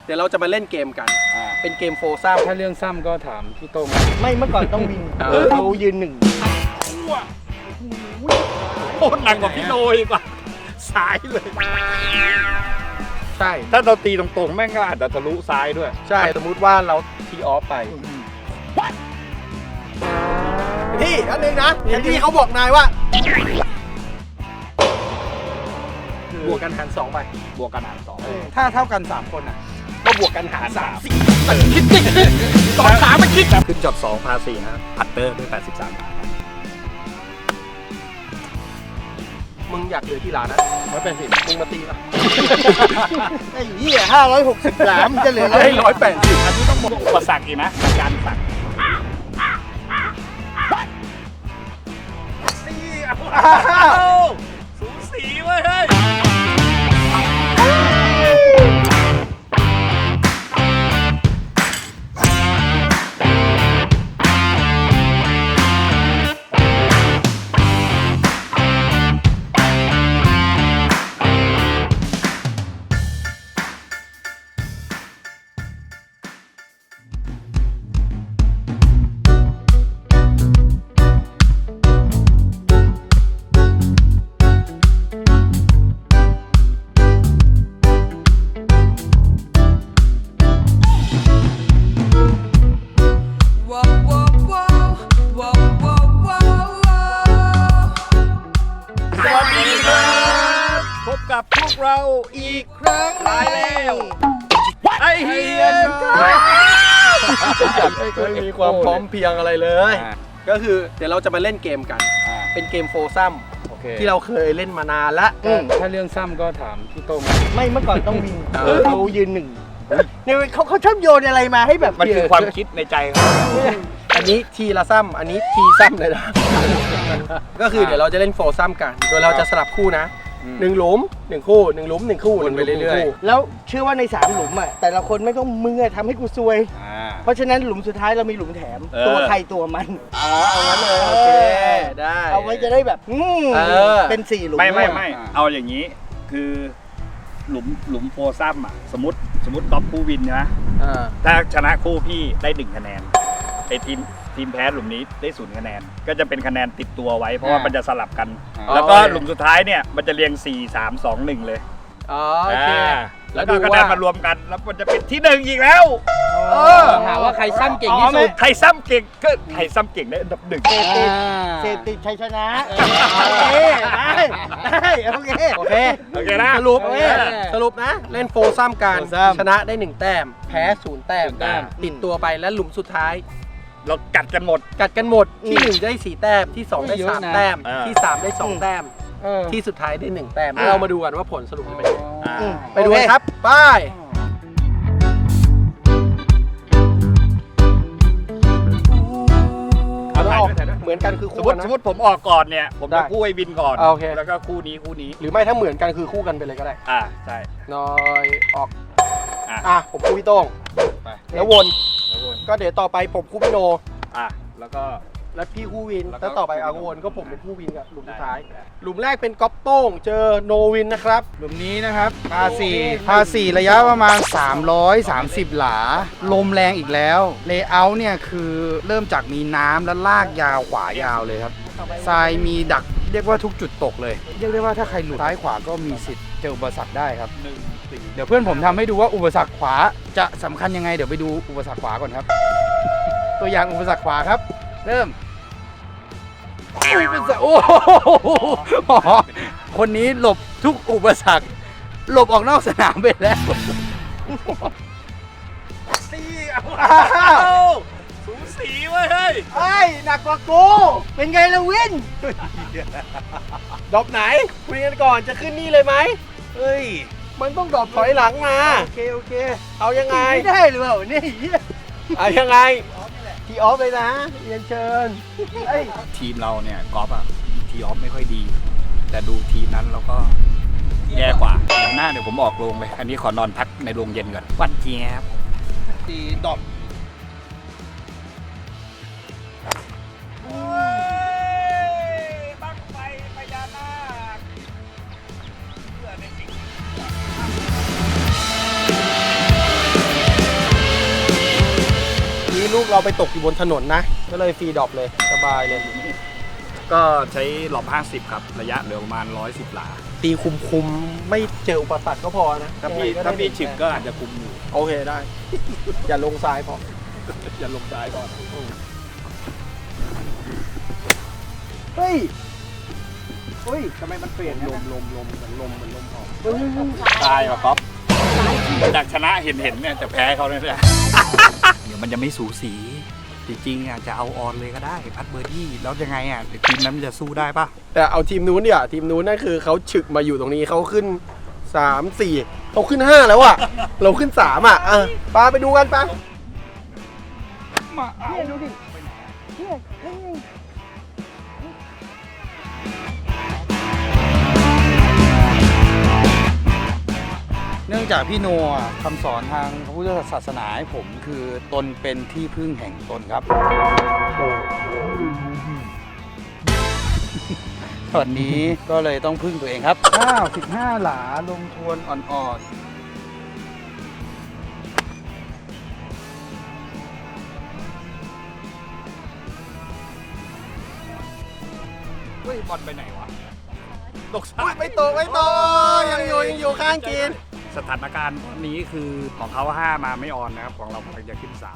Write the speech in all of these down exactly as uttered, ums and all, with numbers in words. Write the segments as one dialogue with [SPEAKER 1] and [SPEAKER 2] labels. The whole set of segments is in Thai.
[SPEAKER 1] ดี๋ยวเราจะมาเล่นเกมกันเป็นเกมโฟซ้ำ
[SPEAKER 2] ถ้าเรื่องซ้ำก็ถามพี่ต้ง
[SPEAKER 3] ไม่เมื่อก่อนต้องวินเรายืนหนึ่ง
[SPEAKER 4] โคตรหนักกว่าพี่โนอีกว่าซ้ายเลย
[SPEAKER 1] ใช่
[SPEAKER 4] ถ้าเราตีตรงๆแม่งก็อาจจะทะลุซ้ายด้วย
[SPEAKER 1] ใช่สมมุติว่าเราทีออฟไปพี่อันนึงนะอย่างที่เขาบอกนายว่าบวกกันหารสองไป
[SPEAKER 4] บวกกันหารสอง
[SPEAKER 2] ถ้าเท่ากันสามคนอ่ะ
[SPEAKER 1] ก็บวกกันหารสามสี่คิดดิสองสามมันคิด
[SPEAKER 4] ขึ้นจอดสองพาสี่นะพัตเตอร์ด้วยแปดสิบสาม
[SPEAKER 1] มึงอยากเหลือที่ร้านนะ
[SPEAKER 4] ร้อยแปดสิบ
[SPEAKER 1] มึงมาตีป่ะ
[SPEAKER 3] ไอ้เหี้ยห้าร้อยหกสิบสามจะเหลือ
[SPEAKER 1] ให้ร้อยแปดสิบ
[SPEAKER 4] อันนี้ต้องบอกอุปสรรคอีกนะการสั่งสูสีเว้ยเฮ้ยกับพวกเราอีกครั้งตายแล้วไอเฮีย
[SPEAKER 1] ไม่มีความพร้อมเพียงอะไรเลยก็คือเดี๋ยวเราจะมาเล่นเกมกันเป็นเกมโฟซ้ำที่เราเคยเล่นมานานละ
[SPEAKER 2] ถ้าเรื่องซ้ำก็ถามพี่ต้ง
[SPEAKER 3] ไม่เมื่อก่อนต้องวินเรายืนหนึ่งเนี่ยเขาเขาชอบโยนอะไรมาให้แบบ
[SPEAKER 4] มันคือความคิดในใจเขา
[SPEAKER 1] อันนี้ทีละซ้ำอันนี้ทีซ้ำเลยนะก็คือเดี๋ยวเราจะเล่นโฟซ้ำกันโดยเราจะสลับคู่นะหนึ่งหลุมหนึ่งคู่หนึ่งหลุมหนึ่งคู่วนไปเรื่อย
[SPEAKER 3] ๆแล้วเชื่อว่าในสามหลุมอ่ะแต่ละคนไม่ต้องมือทำให้กูซวยเพราะฉะนั้นหลุมสุดท้ายเรามีหลุมแถมตัวใครตัวมัน
[SPEAKER 1] อ๋อเอางั้นเลยโอเคได้
[SPEAKER 3] เอาไว้จะได้แบบเป็นสี่หลุม
[SPEAKER 4] ไม่ไม่ไม่เอาอย่างนี้คือหลุมหลุมโฟซ้ำอ่ะสมมติสมมติก๊อฟคู่วินนะถ้าชนะคู่พี่ได้หนึ่งคะแนนไอทีมทีมแพ้หลุมนี้ได้ศูนย์คะแนนก็จะเป็นคะแนนติดตัวไว้เพราะว่ามันจะสลับกันแล้วก็หลุมสุดท้ายเนี่ยมันจะเรียงสี่ สาม สอง หนึ่งเลย
[SPEAKER 1] อ๋อโอเค
[SPEAKER 4] แล้วก็คะแนนมารวมกันแล้วมันจะเป็นที่หนึ่งอีกแล้ว
[SPEAKER 3] หาว่าใครซ้ำเก่งที่สุด
[SPEAKER 4] ใครซ้ำเก่งก็ใครซ้ำเก่งได้อันดับหนึ่ง
[SPEAKER 3] เซฟติดชัยชนะโอเคได้ได้โอเค
[SPEAKER 1] โอเค
[SPEAKER 4] โอเคนะ
[SPEAKER 1] สรุปสรุปนะเล่นโฟซ้ำกันชนะได้หนึ่งแต้มแพ้ศูนย์แต้มติดตัวไปและหลุมสุดท้าย
[SPEAKER 4] เรากัดกันหมด
[SPEAKER 1] กัดกันหมดที่หนึ่งได้สี่แต้มที่สองได้สามแต้มที่สามได้สองแต้มที่สุดท้ายได้หนึ่งแต้มเรามาดูกันว่าผลสรุปจะเป็นยังไงไปดูกันครับไปเหมือนกันคือ
[SPEAKER 4] คู่กันนะสมมติผมออกก่อนเนี่ยผมจะคู่ไอ้บินก่อนแล้วก็คู่นี้คู่นี้
[SPEAKER 1] หรือไม่ถ้าเหมือนกันคือคู่กันไปเลยก็ได้
[SPEAKER 4] อ่าใช่
[SPEAKER 1] น้อยออกอ่ะผมคู่พี่โต้งแล้ววนก็เดี๋ยวต่อไปผมคู่พี่โน
[SPEAKER 4] อ่ะแล้วก็
[SPEAKER 1] แล้วพี่คู่วินแล้วต่อไปอาวนก็ผมเป็นคู่วินกับหลุมสุดท้ายหลุมแรกเป็นก๊อปโต้งเจอโนวินนะครับ
[SPEAKER 2] หลุมนี้นะครับพาสี่พาสี่ระยะประมาณสามร้อยสามสิบหลาลมแรงอีกแล้วเลเยอร์เนี่ยคือเริ่มจากมีน้ำแล้วลากยาวขวายาวเลยครับทรายมีดักเรียกว่าทุกจุดตกเลยเรียกได้ว่าถ้าใครหลุดซ้ายขวาก็มีสิทธิ์เจออุปสรรคได้ครับเดี๋ยวเพื่อนผมทำให้ดูว่าอุปสรรคขวาจะสำคัญยังไงเดี๋ยวไปดูอุปสรรคขวาก่อนครับตัวอย่างอุปสรรคขวาครับเริ่มโอ้คนนี้หลบทุกอุปสรรคหลบออกนอกสนามไปแล้ว
[SPEAKER 4] สีเอาสูสีเว้ยเฮ้ย
[SPEAKER 3] ไอ้หนักกว่ากูเป็นไงล่ะวิน
[SPEAKER 1] ดรอปไหนคุยกันก่อนจะขึ้นนี่เลยไหม
[SPEAKER 4] เฮ้ย
[SPEAKER 1] มันต้องดรอปถอยหลังมา
[SPEAKER 3] โอเคโอเค
[SPEAKER 1] เอายังไง
[SPEAKER 3] ไม่ได้หรือเปล่านี่
[SPEAKER 1] เอายังไง
[SPEAKER 3] ทีออฟเลยนะเรียนเชิญ
[SPEAKER 4] ทีมเราเนี่ยกอล์ฟอะทีออฟไม่ค่อยดีแต่ดูทีมนั้นเราก็แย่กว่าเดี๋ยวหน้าเดี๋ยวผมออกโรงเลยอันนี้ขอนอนพักในโรงเย็นก่อนวันเจี๊ยบ
[SPEAKER 1] ตีดรอป
[SPEAKER 4] บั้งไฟพญานาคเพื่อในสิ่ง
[SPEAKER 1] เอาไปตกอยู่บนถนนนะ ก็เลยฟรีดรอปเลยสบายเลย
[SPEAKER 4] ก็ใช้หลอบห้าสิบครับ ระยะเหลือประมาณร้อยสิบหลา
[SPEAKER 1] ตีคุมคุมๆไม่เจออุปสรรคก็พอนะ
[SPEAKER 4] ถ้าพี่
[SPEAKER 1] ยังไงก็ได้
[SPEAKER 4] ถ้าพี่ฉิบก็อาจจะคุมอยู่
[SPEAKER 1] โอเคได้ อย่าลงทรายพอ
[SPEAKER 4] อย่าลงซ้ายก่อน
[SPEAKER 3] เฮ้ยเฮ้ยทำไมมันเปลี่ยน
[SPEAKER 1] ลมลมลมเหมือนลมเหมือนลมออก
[SPEAKER 3] เฮ้ย
[SPEAKER 4] ตายว่ะก๊อฟจากชนะเห็นเห็นเนี่ยจะแพ้เขาเนี่ย เดี๋ยวมันจะไม่สูสี จริงๆอ่ะจะเอาออนเลยก็ได้พัดเบอร์ดี้แล้วยังไงอ่ะทีมนั้นมันจะสู้ได้ปะ
[SPEAKER 1] แต่เอาทีมนู้นเนี่ยทีมนู้นนั่นคือเขาฉึกมาอยู่ตรงนี้เขาขึ้นสามสี่เขาขึ้นห้าแล้วอ่ะ เราขึ้นสามอ่ะอ่ะปาไปดูกันปะ
[SPEAKER 3] เนี่ยดูดิเนี่ยเฮ้ย
[SPEAKER 2] เนื่องจากพี่โนอ่ะคำสอนทางพระพุทธศาสนาให้ผมคือตนเป็นที่พึ่งแห่งตนครับ ตอนนี้ก็เลยต้องพึ่งตัวเองครับอ้าวสิบห้าหลาลงทวนอ่อนๆ
[SPEAKER 4] เฮ้ยบอลไปไหนวะตก
[SPEAKER 1] อุ๊ยไม่ตกไม่ตกยังอยู่ยังอยู่ข้างกิน
[SPEAKER 4] สถานการณ์ตอนนี้คือของเขาห้ามาไม่ออนนะครับ ของเรากำลังจะขึ้นสาม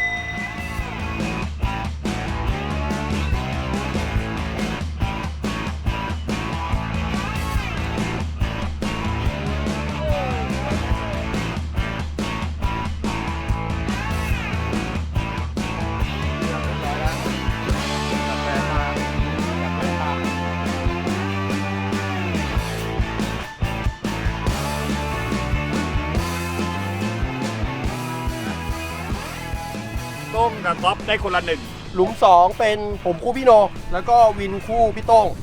[SPEAKER 4] ต้มกับก๊อฟได้คนละหนึ่ง
[SPEAKER 1] หลุมสองเป็นผมคู่พี่โน แล้วก็วินคู่พี่โต้ง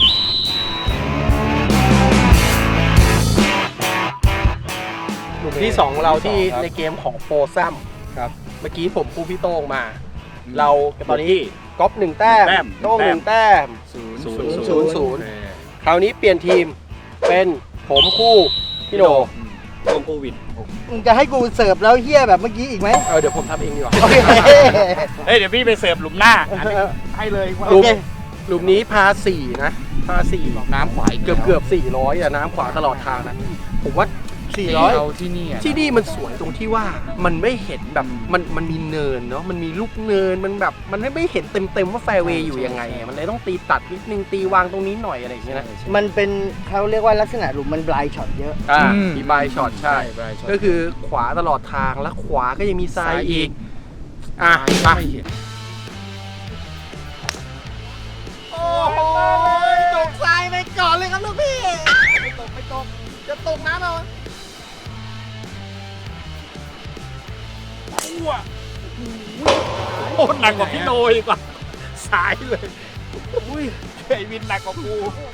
[SPEAKER 1] หลุมที่สองของเราที่ในเกมของโฟซัม
[SPEAKER 2] ครับ
[SPEAKER 1] เมื่อกี้ผมคู่พี่โต้งมา เราตอนนี้ก๊อฟหนึ่งแต้ม
[SPEAKER 4] แต้ม
[SPEAKER 1] โต้งหนึ่งแต้ม
[SPEAKER 2] ศูนย์
[SPEAKER 1] ศูนย์ศูนย์ศูนย์คราวนี้เปลี่ยนทีมเป็นผมคู่พี่โน
[SPEAKER 4] ต้มโควิด
[SPEAKER 3] มึงจะให้กูเสิร์ฟแล้วเฮี้ยแบบเมื่อกี้อีกไหม
[SPEAKER 1] เออเดี๋ยวผมทำเองดีกว่า
[SPEAKER 3] โอเค
[SPEAKER 4] เฮ้ยเดี๋ยวพี่ไปเสิร์ฟหลุมหน้าอันนี้ให้เลย
[SPEAKER 1] หลุมหลุมนี้พาสี่นะพาสี่
[SPEAKER 2] น้ำขวาอี
[SPEAKER 1] เกือบเกือบสี่ร้อยอะน้ำขวาตลอดทางนะผมว่าสี่ร้อย
[SPEAKER 2] เราที่นี่อะ
[SPEAKER 1] ที่นี่มันสวยตรงที่ว่ามันไม่เห็นแบบมันมันมีเนินเนาะมันมีลูกเนินมันแบบมันไม่ไม่เห็นเต็มเต็มๆว่าแฟร์เวย์อยู่ยังไงอะมันเลยต้องตีตัดนิดนึงตีวางตรงนี้หน่อยอะไรอย่างเงี้ยนะ
[SPEAKER 3] มันเป็นเขาเรียกว่าลักษณะหลุมมันบลายช็อตเยอะ
[SPEAKER 1] อ่ามีบายช็อตใช่
[SPEAKER 2] ใช่ช็อต
[SPEAKER 1] ก็คือขวาตลอดทางแล้วขวาก็ยังมีซ้ายอีกอ่ะไป
[SPEAKER 2] ไม่เห็น
[SPEAKER 1] โอ้โหตกทรายไปก่อนเลยครับลูกพี่ไม่ตกไม่ตกจะตกน้ำเอา
[SPEAKER 4] โอ้หนักกว่าพี่โนอีกว่าสายเลยอุ้ยไอวินหนักกว่ากู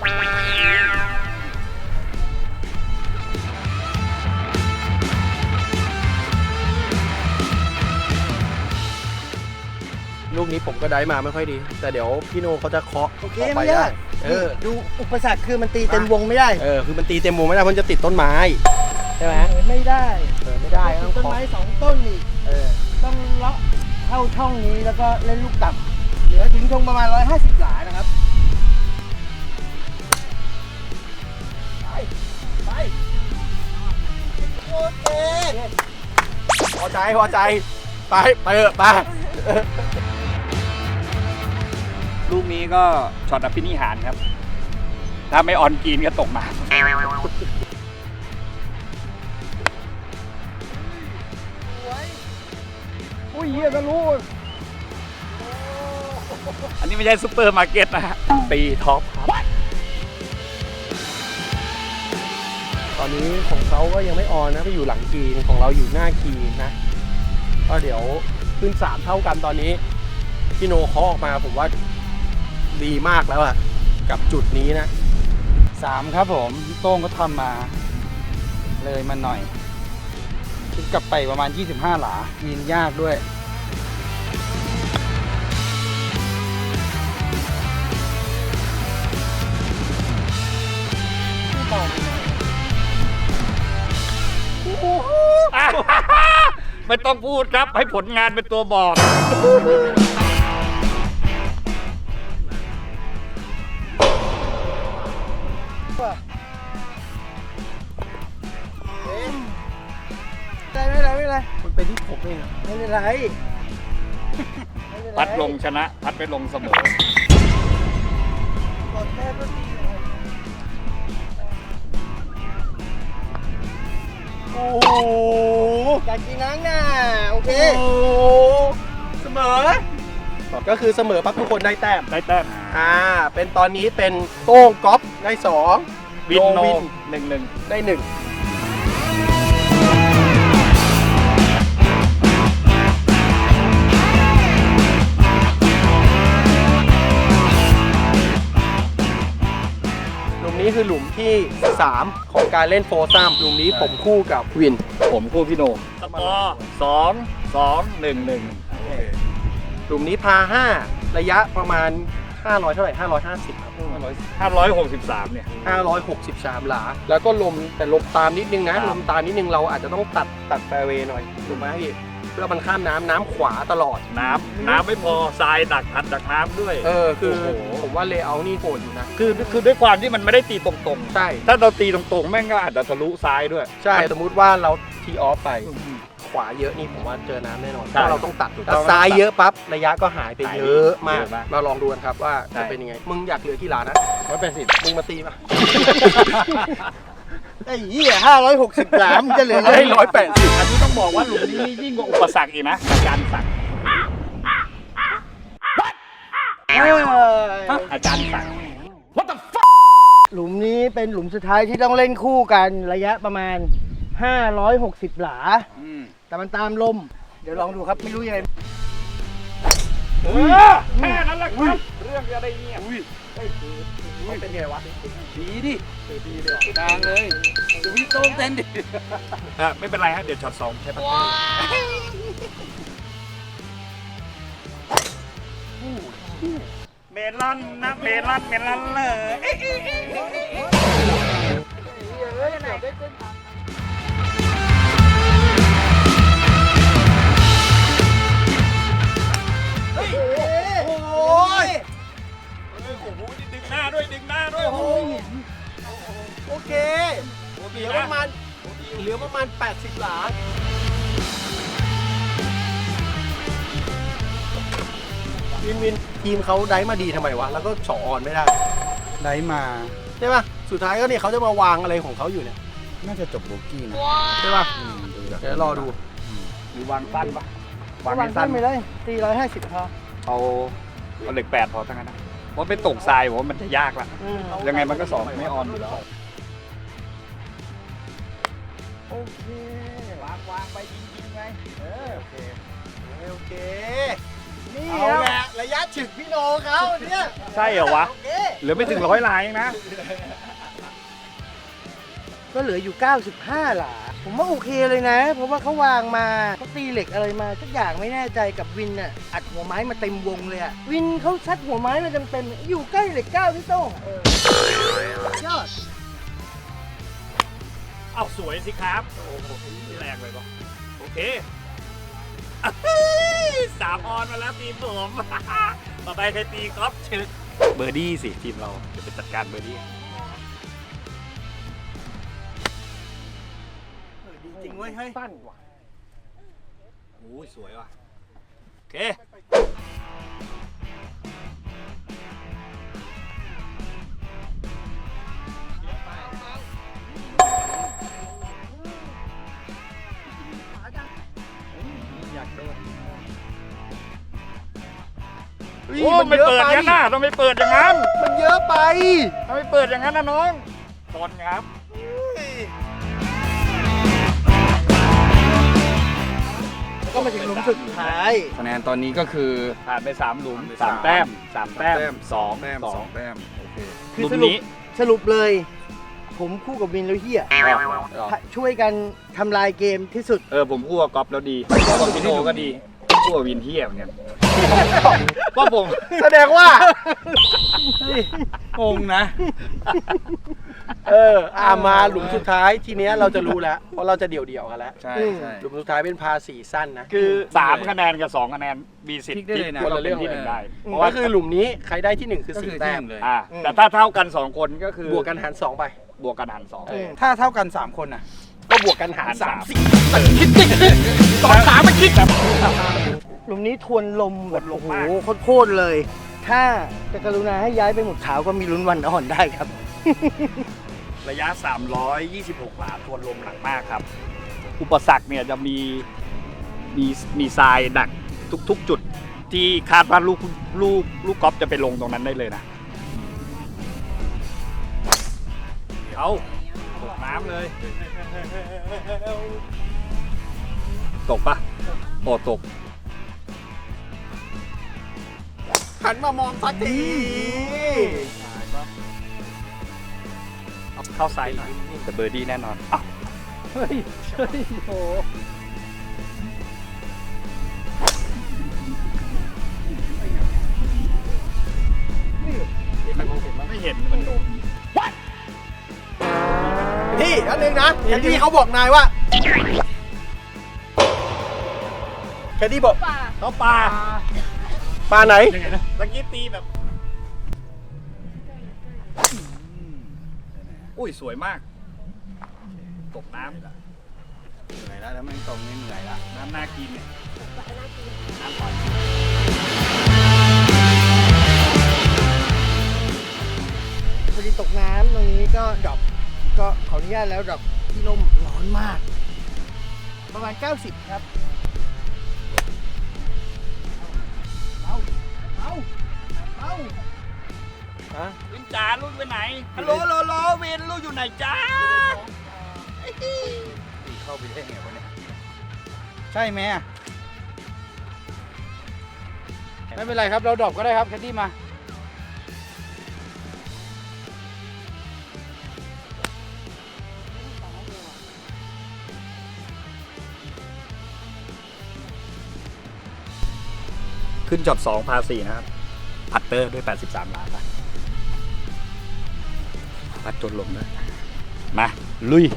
[SPEAKER 1] ลูกนี้ผมก็ได้มาไม่ค่อยดี แต่เดี๋ยวพี่โนเขาจะเคาะ
[SPEAKER 3] โอเค
[SPEAKER 1] ออกไป
[SPEAKER 3] ไม่
[SPEAKER 1] ได้
[SPEAKER 3] ยาก
[SPEAKER 1] เออ
[SPEAKER 3] ดูอุปสรรคคือมันตีเต็มวงไม่ได้
[SPEAKER 1] เออคือมันตีเต็มวงไม่ได้เพราะมันจะติดต้นไม้ใช่ไหม
[SPEAKER 3] ไม่ได้
[SPEAKER 1] เออไม่ได้ก็ต้อง
[SPEAKER 3] ต้น
[SPEAKER 1] เคาะ
[SPEAKER 3] ไม้สองต้นนี่
[SPEAKER 1] เออ
[SPEAKER 3] ต้องเลาะเข้าช่องนี้แล้วก็เล่นลูกต่ำเหลือถึงชงประมาณร้อยห้าสิบหลานะครับ
[SPEAKER 1] ไปโอเคพอใจพอใจไปไปเถอะไป
[SPEAKER 4] ลูกนี้ก็ช็อตอภินิหารครับ ถ้าไม่ออนกรีนก็ตกมาอุ้ยเฮียทะลุอันนี้ไม่ใช่ซุปเปอร์มาร์เก็ตนะฮะ
[SPEAKER 1] ตีท็อปครับตอนนี้ของเขาก็ยังไม่ออนนะไปอยู่หลังกรีนของเราอยู่หน้ากรีนนะก็เดี๋ยวขึ้นสามเท่ากันตอนนี้พี่โนเคาะออกมาผมว่าดีมากแล้วอะกับจุดนี้นะ
[SPEAKER 2] สามครับผมพี่โต้งก็ทำมา เลยมาหน่อยคิดกลับไปประมาณยี่สิบห้าหลายินยากด้วย
[SPEAKER 1] เ
[SPEAKER 4] ไม่ต้องพูดครับ ให้ผลงานเป็นตัวบอก
[SPEAKER 3] ได้ไม่เป็นไรไม่เป็นไร
[SPEAKER 1] มันเป็นที่ผมเองอะ
[SPEAKER 3] ไม่เป็นไรไม่เป็นไร
[SPEAKER 4] พัดลงชนะ พัดไปลงเสมอ
[SPEAKER 3] กดแค่ก็ดีเลย
[SPEAKER 1] โอ้โห
[SPEAKER 3] การกินน้ำน่ะโอเค
[SPEAKER 1] โอ้โหเสมอ ก็คือเสมอปั๊บทุกคนได้แต้ม
[SPEAKER 4] ได้แต้ม
[SPEAKER 1] อ่า เป็นตอนนี้เป็นโต้งก๊อฟได้สอง
[SPEAKER 4] วินโน
[SPEAKER 1] วิน
[SPEAKER 4] หนึ่งหนึ่ง
[SPEAKER 1] ได้หนึ่งหลุมนี้คือหลุมที่สามของการเล่นโฟร์ซัมหลุมนี้ผมคู่กับวิน
[SPEAKER 4] ผมคู่พี่โหนงสกอร์สองสองหนึ่งหนึ่ง
[SPEAKER 1] หลุมนี้พาห้าระยะประมาณห้าร้อยเท่าไหร่ห้าร้อยห้าสิบครับ
[SPEAKER 4] ห้าร้อยหกสิบสามเนี่ย
[SPEAKER 1] ห้าร้อยหกสิบสามหลา แล้วก็ลมแต่ลมตามนิดนึงนะ
[SPEAKER 4] ครับ
[SPEAKER 1] ลมตามนิดนึงเราอาจจะต้องตัดตัดแฟร์เวย์หน่อยถูกไหมพี่เพื่อมันข้ามน้ำน้ำขวาตลอด
[SPEAKER 4] น้ำน้ำไม่พอทรายดักทัดดักน้ำด้วย
[SPEAKER 1] เออคือ
[SPEAKER 4] โอ้โห
[SPEAKER 1] ผมว่าเลเยอร์นี่โหดอยู่นะ
[SPEAKER 4] คือคือด้วยความที่มันไม่ได้ตีตรง
[SPEAKER 1] ใช่
[SPEAKER 4] ๆ ถ้าเราตีตรงๆ แม่งก็อาจจะทะลุซ้ายด้วย
[SPEAKER 1] ใช่สมมุติว่าเราทีออฟไปขวาเยอะนี่ผมว่าเจอน้ำแน่นอน
[SPEAKER 4] ใช่
[SPEAKER 1] ถ้าเราต้องตัด
[SPEAKER 4] ถูกต้
[SPEAKER 1] แต่
[SPEAKER 4] อง
[SPEAKER 1] ซ้ายเยอะปั๊บระยะก็หายไป
[SPEAKER 4] หาย
[SPEAKER 1] เย
[SPEAKER 4] ไป
[SPEAKER 1] อะมาก
[SPEAKER 4] เยอะมาก
[SPEAKER 1] มาลองดูกันครับว่า
[SPEAKER 4] ใช่
[SPEAKER 1] จะเป็นยังไงมึงอยากเหลือกี่หลานะร้อยแปดสิบมึงมาตีมา
[SPEAKER 3] ไอ้เหี้ยห้าร้อยหกสิบสามจะเหลือ
[SPEAKER 1] ให้ร้อยแปดสิบ
[SPEAKER 4] อันนี้ต้องบอกว่าหลุมนี้นี่ยิ่งกว่าอุปสรรคอีกนะอาจารย์สั่ง
[SPEAKER 3] เออ
[SPEAKER 4] อาจารย์สั่ง
[SPEAKER 3] หลุมนี้เป็นหลุมสุดท้ายที่ต้องเล่นคู่กันระยะประมาณห้าร้อยหกสิบหลา แต่มันตามลม เดี๋ยวลองดูครับไม่รู้ยังไง
[SPEAKER 4] เออแค่นั้นแหละครับเรื่องจะได้เงียบ
[SPEAKER 1] มันเป็นไงวะ
[SPEAKER 2] ดีดิดีเลยกลางเลยดูพี่โต้งเต้นดิ
[SPEAKER 4] เออไม่เป็นไรฮะเดี๋ยวช็อตสองใช่ปะเมลอนนะเมลอนเมลอนเลย
[SPEAKER 1] โอ้ย
[SPEAKER 4] โอ้โหดึงหน้าด้วยดึงหน้าด้วยโอ้โห
[SPEAKER 1] โอเคเหลือประมาณเหลือประมาณแปดสิบหลาวินวินทีมเขาได้มาดีทำไมวะแล้วก็สองออนไม่ได้
[SPEAKER 2] ได้มา
[SPEAKER 1] ใช่ป่ะสุดท้ายก็เนี่ยเขาจะมาวางอะไรของเขาอยู่เนี่ย
[SPEAKER 2] น่าจะจบโบกี้นะ
[SPEAKER 1] ใช่ป่ะ
[SPEAKER 2] อืมดูจาก
[SPEAKER 1] เดี๋ยวรอดู
[SPEAKER 4] หรือวางสั้นปะวาง
[SPEAKER 3] วา
[SPEAKER 4] ให้
[SPEAKER 3] ง
[SPEAKER 4] สั้
[SPEAKER 3] สั้
[SPEAKER 4] น
[SPEAKER 3] นไปเลยสี่ร้อยห้าสิบพอ
[SPEAKER 4] เอาเอาเหล็กแปดพอทั้งนั้นนะเพราะไปตกทรายผมว่ามันจะยากละ
[SPEAKER 3] อืม
[SPEAKER 4] ยังไงมันก็สองไม่ออนอยู่แล้ว
[SPEAKER 3] โอเควางวางไปยิงยิงไงเออโอเค
[SPEAKER 1] โอเค
[SPEAKER 3] นี่
[SPEAKER 1] เอา
[SPEAKER 3] ครับ
[SPEAKER 1] แหละระยะฉึกพี่โนเขาเนี่ย
[SPEAKER 4] ใช่เหรอวะ
[SPEAKER 3] โอเค
[SPEAKER 4] เหลือไม่ถึงร้อยลายเองนะ
[SPEAKER 3] ก็เหลืออยู่เก้าสิบห้าหลา ผมว่าโอเคเลยนะ เพราะว่าเขาวางมาเขาตีเหล็กอะไรมาสักอย่างไม่แน่ใจกับวินอ่ะอัดหัวไม้มาเต็มวงเลยอ่ะวินเขาซัดหัวไม้มาเต็มๆอยู่ใกล้เหล็กเก้าพี่โต้งเออยอด
[SPEAKER 4] เอาสวยสิครับ โอ้โหแรงเลยปะโอเคสามออนมาแล้วทีมผม ต่อไปใครตีครับชึกเบอร์ดี้สิทีมเราจะไปจัดการเบอร์ดี้
[SPEAKER 1] จริงเว้ยเฮ้ย
[SPEAKER 3] สั้นว่ะ
[SPEAKER 4] โอ้ยสวยว่ะ โอเค
[SPEAKER 1] อยากโดน
[SPEAKER 4] โอ้ไม่เปิดอย่างนั้นนะต้องไม่เปิดอย่างนั้น
[SPEAKER 1] มันเยอะไป
[SPEAKER 4] ต้องไม่เปิดอย่างนั้นนะน้องตอนครับ
[SPEAKER 3] ก็มาถึงหลุมสุดท้าย
[SPEAKER 2] คะแนนตอนนี้ก็คือ
[SPEAKER 4] ผ่านไปสามหลุม
[SPEAKER 2] ผ่านไป
[SPEAKER 4] สาม
[SPEAKER 2] สาม
[SPEAKER 4] แต้มสามแต้ม
[SPEAKER 2] แต้ม
[SPEAKER 4] สอง
[SPEAKER 2] แต้ม
[SPEAKER 4] ส
[SPEAKER 2] ส
[SPEAKER 4] อ
[SPEAKER 2] อง งแต้มโอเค
[SPEAKER 4] หลุม
[SPEAKER 3] สรุป
[SPEAKER 4] นี้
[SPEAKER 3] สรุปเลย ผมคู่กับวินแล้วเฮียช่วยกันทำลายเกมที่สุด
[SPEAKER 4] เออผมคู่กับก๊อฟแล้วดีคู่กับพี่โนก็ดีคู่กับวินเทียเหมือนกันก็ผม
[SPEAKER 1] แสดงว่า
[SPEAKER 2] งงนะ
[SPEAKER 1] เอออ่ามาหลุมสุดท้ายทีเนี้ยเราจะรู้แล้วเพราะเราจะเดี่ยวๆกันแล้ว
[SPEAKER 2] ใช่ใช่
[SPEAKER 1] หลุมสุดท้ายเป็นพาสีสั้นนะ
[SPEAKER 4] คือสามคะแนนกับสองคะแนนมีสิท
[SPEAKER 2] พลิ
[SPEAKER 4] ธิ์
[SPEAKER 2] กได้เลยนะ
[SPEAKER 4] ที่เราเป็นที่หนึ่งได้
[SPEAKER 1] เพ
[SPEAKER 4] เพ
[SPEAKER 1] ราะ
[SPEAKER 4] ราะ
[SPEAKER 1] ว่า
[SPEAKER 4] ว่า
[SPEAKER 1] คือหลุมนี้ใครได้ที่หนึ่งคือ
[SPEAKER 2] ก็
[SPEAKER 1] สี่
[SPEAKER 2] คือ
[SPEAKER 1] แต้
[SPEAKER 2] แต้
[SPEAKER 1] ม
[SPEAKER 2] มเลย
[SPEAKER 4] อ่าแต่ถ้าเท่ากันสองคนก็คือบ
[SPEAKER 1] วกกันหารสองไป
[SPEAKER 4] บวกกันหารสอง
[SPEAKER 1] เออ
[SPEAKER 2] ถ้าเท่ากันสามคนน่ะ
[SPEAKER 1] ก็บวกกันหาร
[SPEAKER 4] หาร
[SPEAKER 1] สา
[SPEAKER 4] สาม ม
[SPEAKER 1] สิมันคิดดิสองสามมันคิดแบบ
[SPEAKER 3] หลุมนี้ทวนลมแบบ
[SPEAKER 4] ทวนล
[SPEAKER 3] โอ้
[SPEAKER 4] ม
[SPEAKER 3] โห
[SPEAKER 4] มาก
[SPEAKER 3] โคตรๆเลย ถ้าจะกรุณาให้ย้ายไปหมุดขาวก็มีลุ้นวันอ่อนได้ครับ
[SPEAKER 4] ระยะ สามร้อยยี่สิบหก หลาทวนลมหนักมากครับ อุปสรรคเนี่ยจะมีมีมีทรายดักทุกๆ จุดที่คาดว่าลูกลูกลูกกอล์ฟจะไปลงตรงนั้นได้เลยนะเอาตกน้ำเลย ตกปะโอ้ตก
[SPEAKER 1] หันมามองสักที
[SPEAKER 4] เอาเข้าไซด์หน่อยแต่เบอร์ดี้แน่นอนอ้าว
[SPEAKER 1] เฮ้ยเฮ้ยโห
[SPEAKER 4] ไม่เห็นมันโดน
[SPEAKER 1] พี่อันหนึ่งนะแคดดี้เขาบอกนายว่าแคดดี้บอก
[SPEAKER 4] เขาปลา
[SPEAKER 1] ปลาไหน
[SPEAKER 4] ยังไงนะตะกี้ตีแบบ อุ้ยสวยมาก ตกน้ำ
[SPEAKER 2] เหนื่อยแล้วแล้วแม่งตรงนี้เหนื่อยละ
[SPEAKER 4] น้ำน่ากินเนี่ยน้ำหวาน
[SPEAKER 3] พอดีตกน้ำตรงนี้ก็ดรอปก็ขออนุญาตแล้วดรอปที่ร่มร้อนมาก ประมาณ เก้าสิบ ครับ เอาเอาเอา
[SPEAKER 1] ฮะ
[SPEAKER 4] วินจ๋าลูกไปไหน ฮัลโหลโลโลวินลูกอยู่ไหนจ้า
[SPEAKER 2] ตีเข้าไปได้ไงวะเนี่ยใช่ไหมอะไม่เป็นไรครับเราดรอปก็ได้ครับแคดดี้มา
[SPEAKER 4] ขึ้นจอบสองพาสี่นะครับ พัตเตอร์ด้วย แปดสิบสาม ล้านนะพัดจนลมด้วยมา ลุย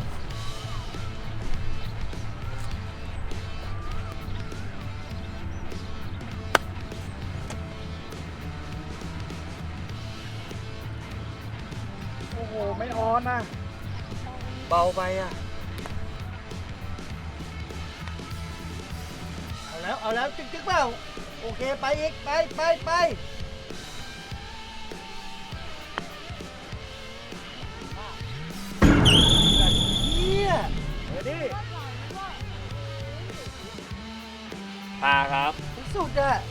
[SPEAKER 2] โอ้โหไม่ออนนะ
[SPEAKER 1] เบาไปอ่ะ
[SPEAKER 3] เอาแล้ว เอาแล้ว จึ๊กจึ๊กเปล่า โอเค ไปอีก ไปไปไปเฮีย
[SPEAKER 4] พาครับ
[SPEAKER 3] สุดอ่ะ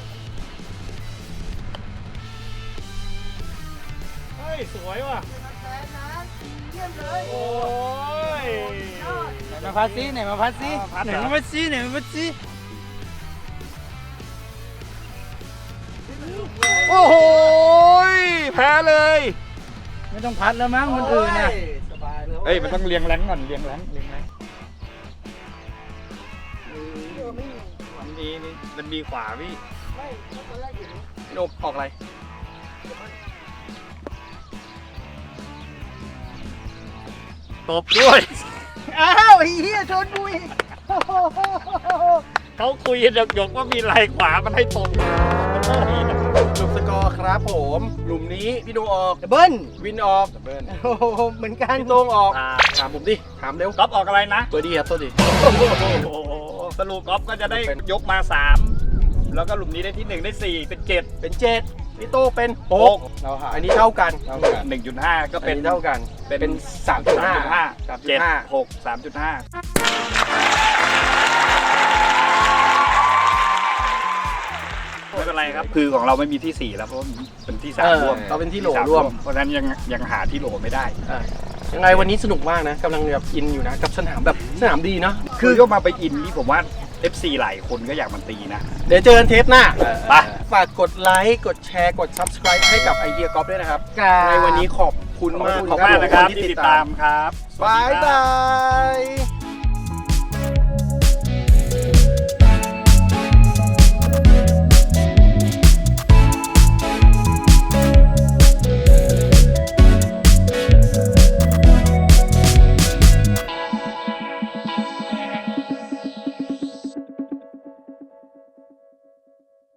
[SPEAKER 4] เฮ้ย สวยว่ะ
[SPEAKER 3] แฟนนะเยี่ยมเลย
[SPEAKER 4] โอ้ย
[SPEAKER 2] ไหนมาพัดซิไหนมาพัดซิ
[SPEAKER 4] อ่าพัด
[SPEAKER 2] ไหน
[SPEAKER 4] เหรอ
[SPEAKER 2] มาพัดซิไหนมาพัดซิโอ้โห
[SPEAKER 4] แพ้เลย
[SPEAKER 2] ไม่ต้องพัดแล้วมั้งคนอื่นน่ะ
[SPEAKER 3] สบายแล้ว
[SPEAKER 4] เอ้ย มันต้องเรียงแรงก่อน เรียงแรงเรียงแรงมันมีนี่มันมีขวาพี่
[SPEAKER 3] ไม่ตอนแรกอยู่นี่
[SPEAKER 1] โนกออกอะไร
[SPEAKER 4] ตบด้วย
[SPEAKER 3] อ้าวไอ้เฮียชนบุย
[SPEAKER 4] เขาคุยกันหยกๆว่ามีลายขวามันให้ตรงมันไม่ดีนะ
[SPEAKER 1] หลุมสกอร์ครับผม หลุมนี้พี่โนออก
[SPEAKER 3] ดับเบิ้ล
[SPEAKER 1] วินออก
[SPEAKER 3] โอ้โหเหมือนกัน
[SPEAKER 1] พี่โต้งออก
[SPEAKER 4] อ่า
[SPEAKER 1] ถามผมดิ ถามเร็ว
[SPEAKER 4] ก๊อฟออกอะไรนะ
[SPEAKER 1] ตัวดีครับตัวดี
[SPEAKER 4] โอ้โหสรุปก๊อฟก็จะได้
[SPEAKER 1] เป็น
[SPEAKER 4] ยกมาสาม แล้วก็หลุมนี้ได้ที่หนึ่งได้สี่เป็นเจ็ด
[SPEAKER 1] เป็นเจ็ดพี่โต้เป็นหก
[SPEAKER 2] เราหา
[SPEAKER 1] อันนี้เท่ากัน
[SPEAKER 2] เท่ากัน
[SPEAKER 4] หนึ่งจุดห้าก็
[SPEAKER 1] เป็
[SPEAKER 4] เป็น น
[SPEAKER 1] เท่ากัน
[SPEAKER 4] เป็น
[SPEAKER 1] เป็นสามจุดห้า
[SPEAKER 4] ห้า
[SPEAKER 1] สามจุ
[SPEAKER 4] เจ็
[SPEAKER 1] ด
[SPEAKER 4] ด
[SPEAKER 1] ห้า
[SPEAKER 4] หกสามจุดห้าไม่เป็นไรครับ คือของเราไม่มีที่สี่แล้วเพราะว่าเป็นที่สาม
[SPEAKER 1] เออ
[SPEAKER 4] ร่วม
[SPEAKER 1] เราเป็นที่โหล
[SPEAKER 4] สาม
[SPEAKER 1] ร่วม
[SPEAKER 4] เพราะฉะนั้นยังยังหาที่โหลไม่ได้
[SPEAKER 1] อ่ะยังไงวันนี้สนุกมากนะกำลังแบบอินอยู่นะ กับสนามแบบสนามดีเนาะ
[SPEAKER 4] คือยกมาไปอินนี่ผมว่า เอฟ ซี หลายคนก็อยากมันตีนะ
[SPEAKER 1] เดี๋ยวเจอกันเทปหน้า
[SPEAKER 4] ไป
[SPEAKER 1] ฝากกดไลค์ กดแชร์ กด Subscribe ให้กับไอเดียกอล์ฟด้วยนะครับ
[SPEAKER 3] ครับ
[SPEAKER 1] ในวันนี้ขอบคุณมาก
[SPEAKER 4] ขอบคุณมากนะครับที่ติดตามครับ
[SPEAKER 1] บายบาย